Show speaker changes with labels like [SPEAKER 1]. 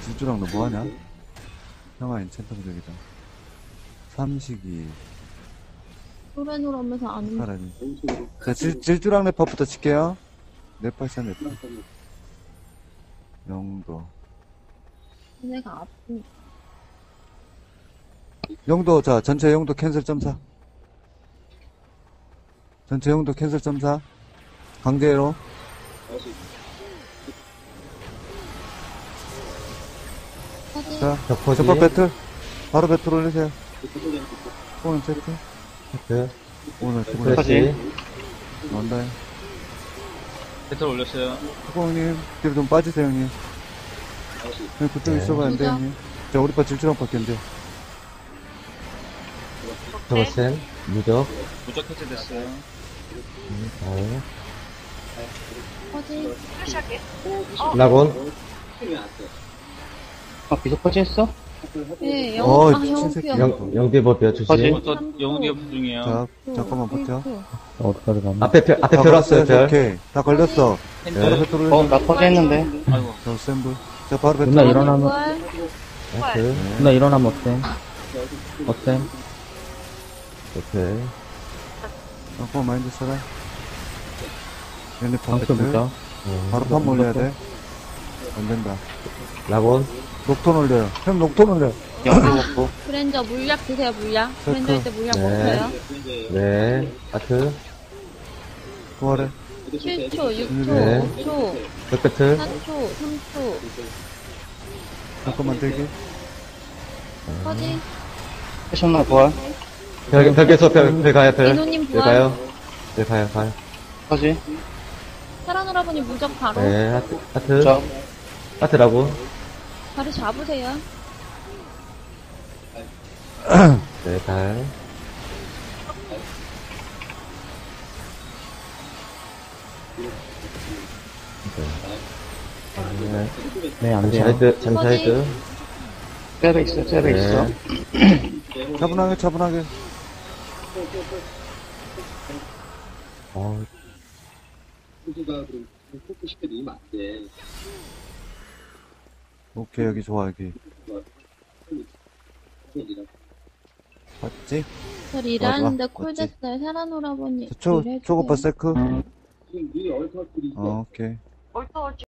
[SPEAKER 1] 질주랑 너 뭐하냐? 형아 인챈트 부족이다. 삼식이
[SPEAKER 2] 노래노래 하면서 안
[SPEAKER 1] 사라니. 자, 질주랑 랩퍼부터 칠게요. 랩퍼샷 랩퍼. 영도.
[SPEAKER 2] 내가 아프니까.
[SPEAKER 1] 영도, 자, 전체 영도 캔슬 점사. 전체 영도 캔슬 점사. 강제로. 자, 저법 배틀. 바로 배틀 올리세요. 오늘 세트. 오늘
[SPEAKER 3] 다시.
[SPEAKER 1] 나온다.
[SPEAKER 3] 배틀 올렸어요.
[SPEAKER 1] 후공님, 뒤로 좀 빠지세요, 형님. 형님, 그쪽 있어봐, 안 돼, 형님. 자, 우리 빠 질주랑 바뀌었는데.
[SPEAKER 4] 저거센 무적.
[SPEAKER 3] 무적 해제됐어요.
[SPEAKER 2] 퍼지.
[SPEAKER 4] 라곤.
[SPEAKER 3] 비석 퍼지했어?
[SPEAKER 2] 예,
[SPEAKER 1] 어,
[SPEAKER 2] 형
[SPEAKER 1] 친새끼.
[SPEAKER 2] 피어.
[SPEAKER 4] 영대버
[SPEAKER 3] 퍼지.
[SPEAKER 4] 조심.
[SPEAKER 3] 저 영웅 중이에요.
[SPEAKER 1] 자, 잠깐만 버텨.
[SPEAKER 5] 어디까지 가면?
[SPEAKER 4] 앞에 별 왔어요, 별.
[SPEAKER 1] 오케이. 다 걸렸어.
[SPEAKER 3] 핸들.
[SPEAKER 1] 바로 배틀 올리세요.
[SPEAKER 3] 나 퍼지했는데. 아이고.
[SPEAKER 1] 저 샘블. 자, 바로 배틀
[SPEAKER 5] 누나
[SPEAKER 1] 올리세요.
[SPEAKER 5] 일어나면,
[SPEAKER 4] 나이스.
[SPEAKER 5] 누나 일어나면 어때? 어때?
[SPEAKER 4] 오케이.
[SPEAKER 1] 잠깐만 마인드 써라. 얘네 판
[SPEAKER 5] 방수
[SPEAKER 1] 배틀.
[SPEAKER 5] 무적.
[SPEAKER 1] 바로 판 올려야 돼. 안 된다.
[SPEAKER 4] 라곤.
[SPEAKER 1] 녹톤 올려요. 형 녹톤 올려.
[SPEAKER 3] 영웅 먹고.
[SPEAKER 2] 브랜저 물약 드세요, 물약. 브랜저 할 때 물약
[SPEAKER 4] 네.
[SPEAKER 2] 먹어요.
[SPEAKER 4] 네. 하트.
[SPEAKER 1] 부활해.
[SPEAKER 2] 7초, 6초,
[SPEAKER 4] 네.
[SPEAKER 2] 5초,
[SPEAKER 4] 백배틀.
[SPEAKER 2] 4초, 3초.
[SPEAKER 1] 잠깐만 대기.
[SPEAKER 2] 퍼지.
[SPEAKER 3] 패션나 부활.
[SPEAKER 4] 벽에서 별 가요, 별.
[SPEAKER 2] 민호님
[SPEAKER 4] 별
[SPEAKER 2] 부활.
[SPEAKER 4] 가요. 별 가요.
[SPEAKER 3] 퍼지.
[SPEAKER 2] 사랑오라버니 무적 바로.
[SPEAKER 4] 네. 하트.
[SPEAKER 3] 저.
[SPEAKER 4] 하트 라곤.
[SPEAKER 2] 다리 잡으세요.
[SPEAKER 4] 네, 달. 네.
[SPEAKER 5] 네, 안 돼요.
[SPEAKER 4] 잠시하이드.
[SPEAKER 3] 셀에 있어, 셀에 있어.
[SPEAKER 1] 차분하게 차분하게. 오케이 여기 좋아 여기. 맞지?
[SPEAKER 2] 저 일하는데
[SPEAKER 1] 맞지?
[SPEAKER 2] 콜 됐어요. 사랑오라버니.
[SPEAKER 1] 초고파 세크. 오케이.